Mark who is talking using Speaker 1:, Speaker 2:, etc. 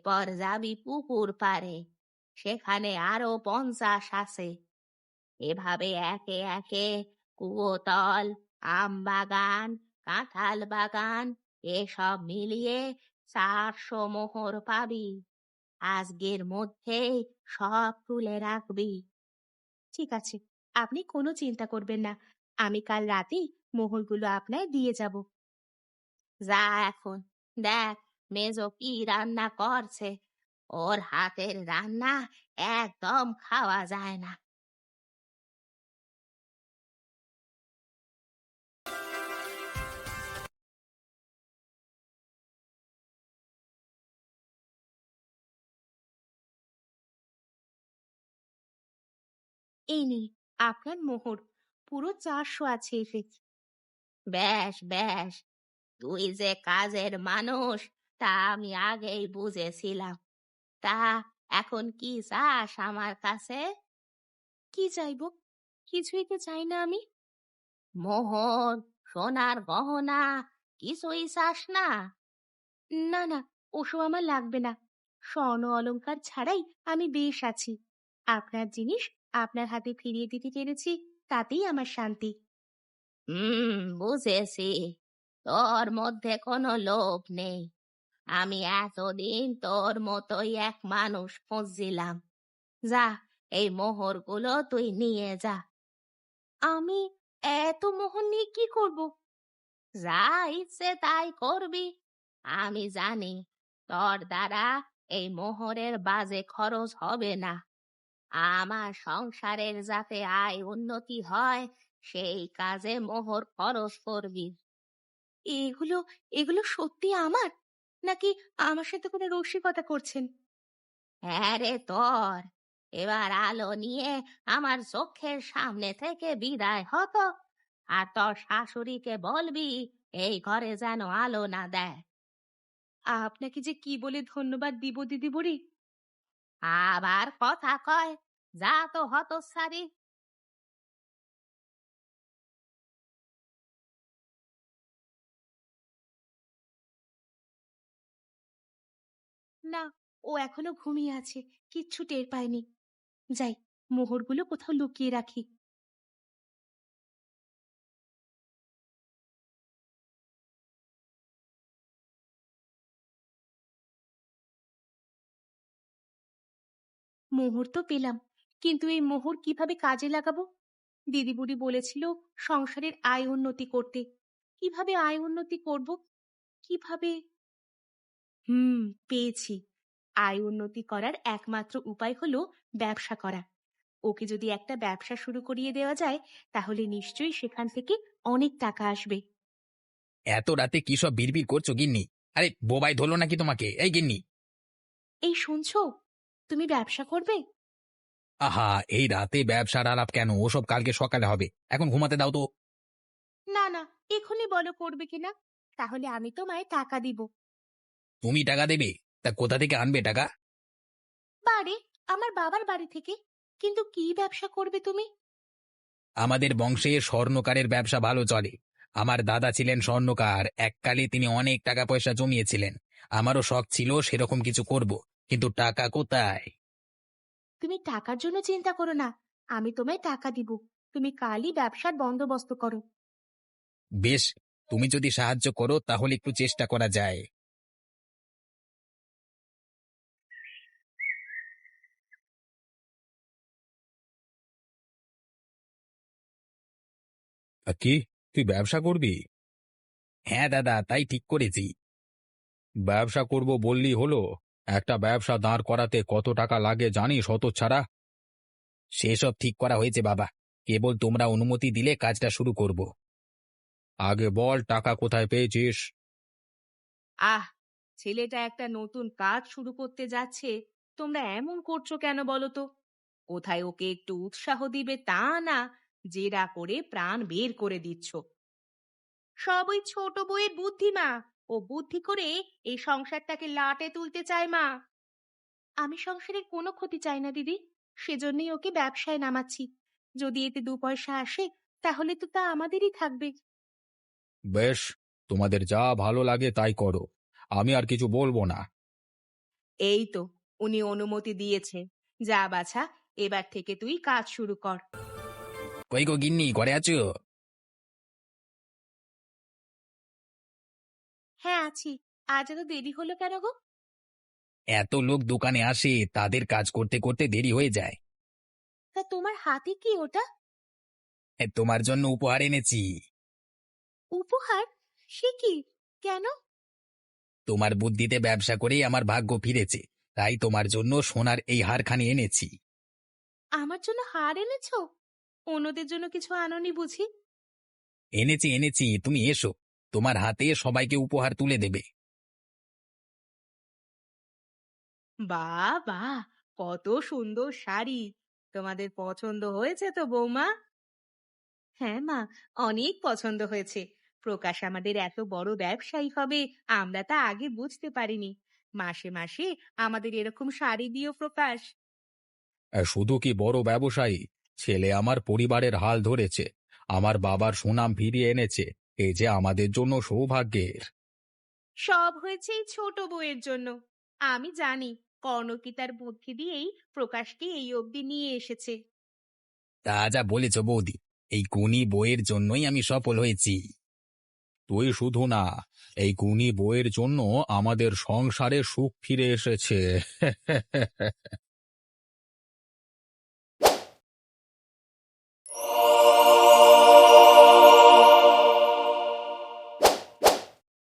Speaker 1: এরপর যাবি পুকুর পাড়ে, সেখানে আরো 50 আছে। এভাবে একে একে কুয়োতল, আম বাগান, কাঁঠাল বাগান এসব মিলিয়ে 400 মোহর পাবি। আজকের মধ্যেই সব তুলে রাখবি। ঠিক আছে, আপনি কোনো চিন্তা করবেন না, আমি কাল রাতেই মোহরগুলো আপনায় দিয়ে যাব। যা এখন, দেখ মেজো কি রান্না করছে। ওর হাতের রান্না একদম খাওয়া যায় না। এই নিন আপনার মোহর, পুরো 400 আছে এতে। বেশ বেশ, তুই যে কাজের মানুষ তা আমি আগেই বুঝেছিলাম। তা এখন কি চাস আমার কাছে? কি চাইবো? কিছুই তো চাই না আমি। মোহর, সোনার গহনা কিছুই চাস না? না না, ওসব আমার লাগবে না। স্বর্ণ অলংকার ছাড়াই আমি বেশ আছি। আপনার জিনিস আপনার হাতে ফিরিয়ে দিতে পেরেছি, তাতেই আমার শান্তি। বুঝেছি, তোর মধ্যে কোনো লোভ নেই। আমি এতদিন তোর মতোই এক মানুষ খুঁজছিলাম। যা, এই মোহরগুলো তুই নিয়ে যা। আমি এত মোহর নিয়ে কি করব? যা ইচ্ছে তাই করবি। আমি জানি তোর দ্বারা এই মোহরের বাজে খরচ হবে না। আমার সংসারের যাতে আয় উন্নতি হয় সেই কাজে মোহর খরচ করবি। এগুলো এগুলো সত্যি আমার, নাকি আমার সাথে কোনো রসিকতা করছেন? হ্যাঁ রে তোর। এবার আলো নিয়ে আমার চোখের সামনে থেকে বিদায় হতো। আর তোর শাশুড়িকে বলবি এই ঘরে যেন আলো না দেয়। আপনাকে যে কি বলে ধন্যবাদ দিব দিদি বুড়ি। আবার কথা কয়, যা তো হতচ্ছাড়ি। না, ও এখনো ঘুমিয়ে আছে, কিচ্ছু টের পায়নি। যাই, মোহরগুলো কোথাও লুকিয়ে রাখি। মোহর তো পেলাম, কিন্তু এই মোহর কিভাবে কাজে লাগাবো? দিদি বুড়ি বলেছিল সংসারের আয় উন্নতি করতে। কিভাবে আয় উন্নতি করব? কিভাবে? হুম, পেয়েছি। আয় উন্নতি করার একমাত্র উপায় হলো ব্যবসা করা। ওকে যদি একটা ব্যবসা শুরু করিয়ে দেওয়া যায়, তাহলে নিশ্চয়ই সেখান থেকে অনেক টাকা আসবে।
Speaker 2: এত রাতে কি সব বিড়বিড় করছো গিন্নি? আরে বোবাই ধরলো নাকি তোমাকে, এই গিন্নি?
Speaker 1: এই শুনছো, তুমি ব্যবসা করবে?
Speaker 2: আহা, এই রাতে ব্যবসার আলাপ কেন? ওসব কালকে সকালে হবে, এখন ঘুমাতে দাও তো।
Speaker 1: না না, এখনই বলো করবে কিনা, তাহলে আমি তোমায় টাকা দিব।
Speaker 2: তুমি টাকা দেবে? তা কোথা থেকে আনবে টাকা?
Speaker 1: বাড়ি, আমার বাবার বাড়ি থেকে। কিন্তু কি ব্যবসা করবে তুমি?
Speaker 2: আমাদের বংশে স্বর্ণকারের ব্যবসা ভালো চলে। আমার দাদা ছিলেন স্বর্ণকার, এককালে তিনি অনেক টাকা পয়সা জমিয়েছিলেন। আমারও শখ ছিল সেরকম কিছু করব, কিন্তু টাকা কোথায়?
Speaker 1: তুমি টাকার জন্য চিন্তা করো না, আমি তোমায় টাকা দিব। তুমি কালই ব্যবসার বন্দোবস্ত করো।
Speaker 2: বেশ, তুমি যদি সাহায্য করো তাহলে একটু চেষ্টা করা যায়। কি, তুই ব্যবসা করবি? হ্যাঁ দাদা, তাই ঠিক করেছি। ব্যবসা করব বললি হলো? একটা ব্যবসা দাঁড় করাতে কত টাকা লাগে জানিস হতচ্ছাড়া? সেসব ঠিক করা হয়েছে বাবা, কেবল তোমরা অনুমতি দিলে কাজটা শুরু করব। আগে বল, টাকা কোথায় পেয়েছিস?
Speaker 1: আহ, ছেলেটা একটা নতুন কাজ শুরু করতে যাচ্ছে, তোমরা এমন করছো কেন বলো তো? কোথায় ওকে একটু উৎসাহ দিবে তা না, জেরা করে প্রাণ বের করে দিচ্ছ। সব ওই ছোট বউয়ের বুদ্ধি মা। ও বুদ্ধি করে এই সংসারটাকে লাটে তুলতে চায় মা। আমি সংসারের কোনো ক্ষতি চাই না দিদি, সেজন্যই ওকে ব্যবসায় নামাচ্ছি। যদি এতে 2 পয়সা আসে, তাহলে তো তা আমাদেরই থাকবে।
Speaker 2: বেশ, তোমাদের যা ভালো লাগে তাই করো, আমি আর কিছু বলবো না।
Speaker 3: এই তো, উনি অনুমতি দিয়েছে। যা বাছা, এবার থেকে তুই কাজ শুরু কর।
Speaker 2: কই গো গিন্নি, ঘরে আছো?
Speaker 3: হ্যাঁ, আছি। আজ এত দেরি হলো কেন গো?
Speaker 2: এত লোক দোকানে আসে, তাদের কাজ করতে করতে দেরি হয়ে যায়।
Speaker 3: তা তোমার হাতে কি ওটা?
Speaker 2: তোমার জন্য উপহার এনেছি।
Speaker 3: উপহার? সে কি? কেন?
Speaker 2: তোমার বুদ্ধিতে ব্যবসা করেই আমার ভাগ্য ফিরেছে, তাই তোমার জন্য সোনার এই হারখানি এনেছি।
Speaker 3: আমার জন্য হার এনেছো? অন্যদের জন্য কিছু আনোনি বুঝি?
Speaker 2: এনেছি এনেছি, তুমি এসো, তোমার হাতে সবাইকে উপহার তুলে দেবে।
Speaker 3: বাহ বাহ, কত সুন্দর শাড়ি! তোমাদের পছন্দ হয়েছে তো বৌমা? হ্যাঁ মা, অনেক পছন্দ হয়েছে। প্রকাশ আমাদের এত বড় ব্যবসায়ী হবে আমরা তা আগে বুঝতে পারিনি। মাসে মাসে আমাদের এরকম শাড়ি দিও প্রকাশ।
Speaker 2: শুধু কি বড় ব্যবসায়ী, ছেলে আমার পরিবারের হাল ধরেছে, আমার বাবার সুনাম ফিরিয়ে এনেছে। এই যে আমাদের জন্য সৌভাগ্যের।
Speaker 3: সব হয়েছে এই ছোট বউয়ের জন্য। আমি জানি কর্ণকি তার বুদ্ধি দিয়েই প্রকাশকে এই অবধি নিয়ে এসেছে।
Speaker 2: তা যা বলেছ বৌদি, এই গুণী বইয়ের জন্যই আমি সফল হয়েছি। তুই শুধু না, এই গুণী বইয়ের জন্য আমাদের সংসারে সুখ ফিরে এসেছে।